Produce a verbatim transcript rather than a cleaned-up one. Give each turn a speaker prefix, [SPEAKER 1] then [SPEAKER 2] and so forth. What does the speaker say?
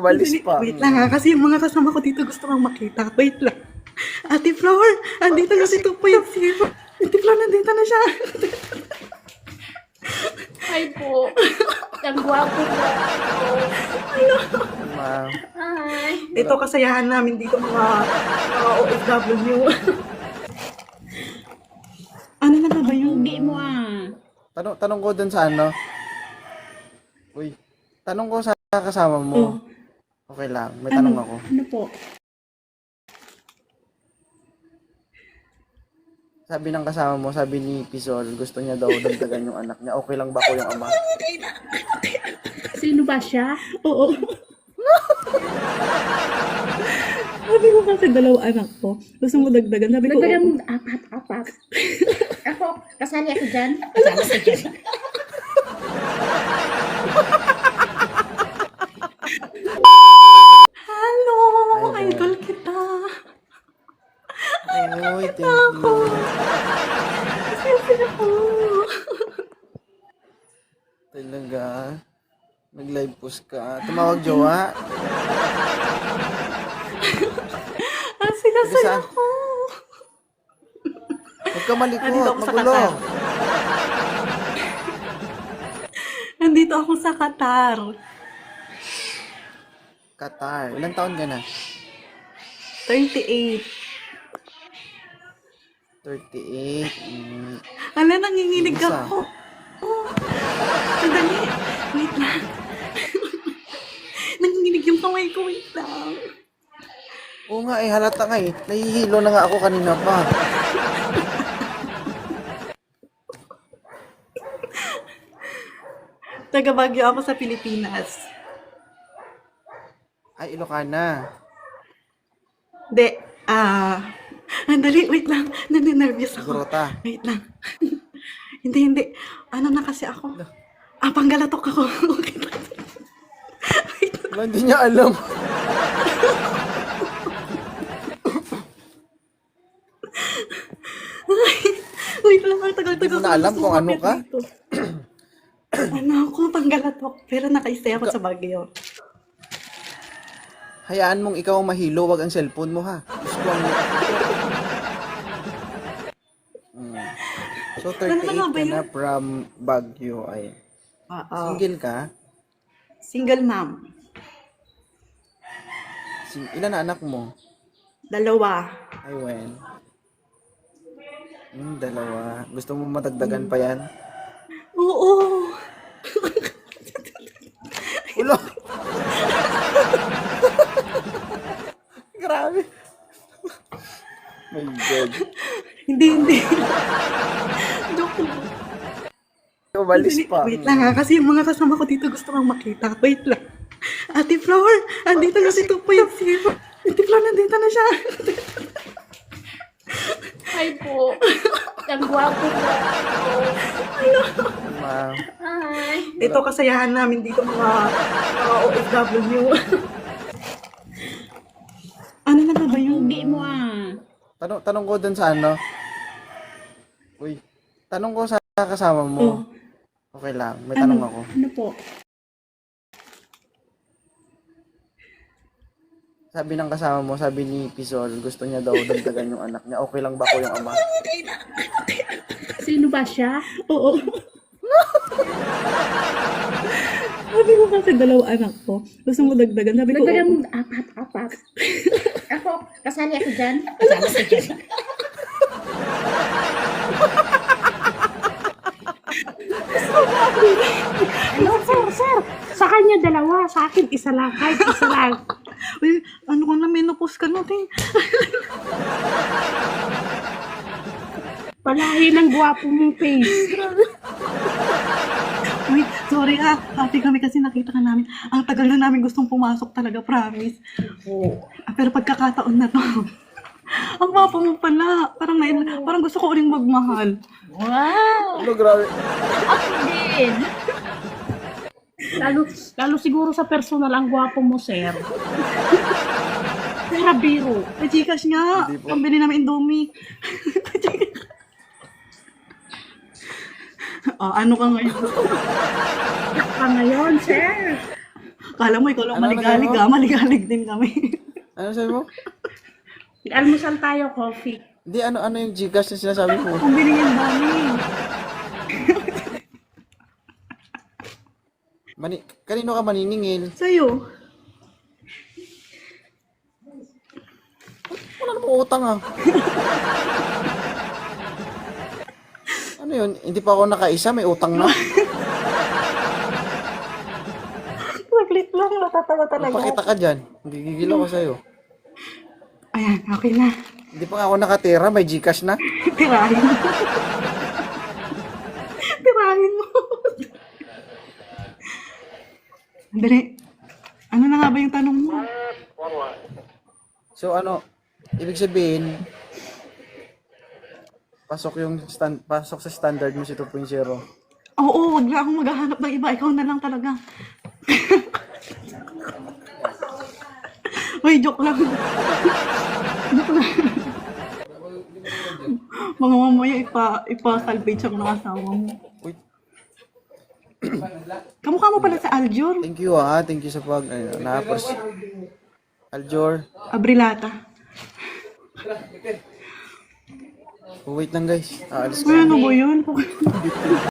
[SPEAKER 1] Umalis
[SPEAKER 2] Wait,
[SPEAKER 1] pa.
[SPEAKER 2] wait lang ha, kasi yung mga kasama ko dito gusto kang makita. Wait lang. Ate Flower, andito na si two point zero. Ate Flower, nandito na siya.
[SPEAKER 3] Hi po. Ang gwapo po.
[SPEAKER 1] Ma,
[SPEAKER 3] Hi.
[SPEAKER 2] Ito kasayahan namin dito mga, mga O F W. Ano na ba ba yung
[SPEAKER 3] Hindi mo ah.
[SPEAKER 1] tanong, tanong ko dun sa ano. Uy, tanong ko sa kasama
[SPEAKER 2] Oh.
[SPEAKER 1] mo. Okay lang, may tanong ako.
[SPEAKER 3] Ano po?
[SPEAKER 1] Sabi ng kasama mo, sabi ni Pisol, gusto niya daw dagdagan yung anak niya. Okay lang ba ko yung ama?
[SPEAKER 3] Sino ba siya?
[SPEAKER 2] Oo. Sabi ko kasi dalawa anak ko. Gusto mo dagdagan. Sabi ko,
[SPEAKER 3] Nagdagan
[SPEAKER 2] oo.
[SPEAKER 3] mo apat, apat. Ako, kasali ako dyan. Kasali ako dyan.
[SPEAKER 2] Hello!
[SPEAKER 1] Hi,
[SPEAKER 2] Idol kita.
[SPEAKER 1] Uy, thank you.
[SPEAKER 2] Siyempre ako.
[SPEAKER 1] Talaga. Nag-live post ka. Tumawag jowa.
[SPEAKER 2] Ang sinasaya
[SPEAKER 1] Saan?
[SPEAKER 2] ko.
[SPEAKER 1] Huwag ka malikot.
[SPEAKER 2] Nandito ako sa
[SPEAKER 1] Magulo.
[SPEAKER 2] Qatar. Nandito ako sa Qatar.
[SPEAKER 1] Qatar. Ilang taon ka na?
[SPEAKER 2] thirty-eight.
[SPEAKER 1] thirty-eight. Mm.
[SPEAKER 2] Ala, nanginginig
[SPEAKER 1] Isa.
[SPEAKER 2] ako. Oh, sandali. Wait lang. Nanginginig yung kamay ko. Wait lang.
[SPEAKER 1] Oo nga eh, halata nga eh. Nahihilo na nga ako kanina pa.
[SPEAKER 2] Taga Baguio ako sa Pilipinas.
[SPEAKER 1] Ay, Ilocana.
[SPEAKER 2] Hindi. Ah... andali, wait lang. Naninervyos ako.
[SPEAKER 1] Sigurota.
[SPEAKER 2] Wait lang. hindi, hindi. Ano na kasi ako? Ah, panggalatok ako. Okay lang. Wait lang.
[SPEAKER 1] Wala, hindi niya alam.
[SPEAKER 2] Wait lang, ang tagal-tagal.
[SPEAKER 1] Hindi mo na alam
[SPEAKER 2] gusto
[SPEAKER 1] kung ano
[SPEAKER 2] kumapit
[SPEAKER 1] ka?
[SPEAKER 2] dito. Ano ako, panggalatok. Pero nakaistay ako sa Baguio.
[SPEAKER 1] Hayaan mong ikaw ang mahilo, wag ang cellphone mo ha. Gusto ang... Mm. So,
[SPEAKER 2] Ano na nga
[SPEAKER 1] thirty-eight
[SPEAKER 2] ba
[SPEAKER 1] ka
[SPEAKER 2] yun?
[SPEAKER 1] na from Baguio ay.
[SPEAKER 2] Oo.
[SPEAKER 1] Single ka?
[SPEAKER 2] Single mom.
[SPEAKER 1] Sing- ilan na anak mo?
[SPEAKER 2] Dalawa.
[SPEAKER 1] Ay, when? Hmm, dalawa. Gusto mo matagdagan pa yan?
[SPEAKER 2] Oo.
[SPEAKER 1] Ulo! Grabe. My God.
[SPEAKER 2] Hindi, hindi. Joke lang.
[SPEAKER 1] Umalis
[SPEAKER 2] Wait,
[SPEAKER 1] pa.
[SPEAKER 2] wait lang ha, kasi yung mga kasama ko dito gusto kang makita. Wait lang. Ate Flower, andito na si two point zero. Ate Flower, nandito na siya.
[SPEAKER 3] Hi po. Ang gwapo po.
[SPEAKER 1] Ma,
[SPEAKER 3] Hi.
[SPEAKER 2] Ito kasayahan namin dito mga, mga O F W. Ano na ba ba yung...
[SPEAKER 3] Hindi mo ah.
[SPEAKER 1] tanong, tanong ko dun sa ano. Uy, tanong ko sa kasama mo.
[SPEAKER 2] Oh.
[SPEAKER 1] Okay lang, may tanong ako.
[SPEAKER 3] Ano po?
[SPEAKER 1] Sabi ng kasama mo, sabi ni Pisol, gusto niya daw dagdagan yung anak niya. Okay lang ba ko yung ama?
[SPEAKER 3] Sino ba siya?
[SPEAKER 2] Oo. Sabi ko kasi dalawa anak ko. Gusto mo dagdagan. Sabi ko,
[SPEAKER 3] Nagdagan
[SPEAKER 2] oo.
[SPEAKER 3] mo apat, apat. Ako, kasali ako dyan. Kasali ako dyan. Ano, sir, sir? Sa kanya dalawa, sa akin isa lang, kahit isa lang.
[SPEAKER 2] Uy, ano ko na, menopause ka natin.
[SPEAKER 3] Palahi ng gwapo mong face.
[SPEAKER 2] Uy, sorry ha. Happy kami kasi nakita ka namin. Ang tagal na namin gustong pumasok talaga, promise. Ah, pero pagkakataon na to. Ang gwapo mo pala. Parang, nain, parang gusto ko uling magmahal.
[SPEAKER 3] Wow!
[SPEAKER 1] Ano, grabe.
[SPEAKER 3] Ako din. Lalo, lalo siguro sa personal ang gwapo mo, sir. Pura biro.
[SPEAKER 2] May Gcash nga.
[SPEAKER 1] Hindi po.
[SPEAKER 2] Pambili namin Indomie. oh, ano ka ngayon?
[SPEAKER 3] Pa ngayon, sir.
[SPEAKER 2] Kala mo ikaw lang
[SPEAKER 1] Ano, ano
[SPEAKER 2] maligalig
[SPEAKER 1] sabi mo?
[SPEAKER 2] ah. Maligalig din kami.
[SPEAKER 1] Ano sabi mo?
[SPEAKER 3] Almusal tayo, coffee.
[SPEAKER 1] Hindi, ano, ano yung Gcash na sinasabi ko?
[SPEAKER 2] Ang binigyan namin.
[SPEAKER 1] Mani kanino ka maniningil?
[SPEAKER 2] Sa'yo.
[SPEAKER 1] Wala namang utang ah. Ano yun? Hindi pa ako nakaisa, may utang na.
[SPEAKER 2] Saglit lang, natatawa talaga.
[SPEAKER 1] Pakita ka dyan. Gigigil ako sa'yo.
[SPEAKER 2] Ayan, okay na.
[SPEAKER 1] Hindi pa nga ako nakatira, may Gcash na.
[SPEAKER 2] Tirahin mo. Tirahin mo. Dali. Ano na nga ba yung tanong mo?
[SPEAKER 1] So ano, ibig sabihin, pasok yung stand, pasok sa standard mo si two point oh.
[SPEAKER 2] Oo, wag na akong maghahanap ng iba. Ikaw na lang talaga. Uy, joke lang. Joke lang. Mga mamaya ipa, ipa-salvage ako ng asawa mo.
[SPEAKER 1] Uy,
[SPEAKER 2] Kamukha mo pala sa Aljur.
[SPEAKER 1] thank you ah, thank you sa pag, ano, na-apos. Aljor.
[SPEAKER 2] Abrilata.
[SPEAKER 1] Oh, wait lang guys. Aalis
[SPEAKER 2] Uy, ano ba yun?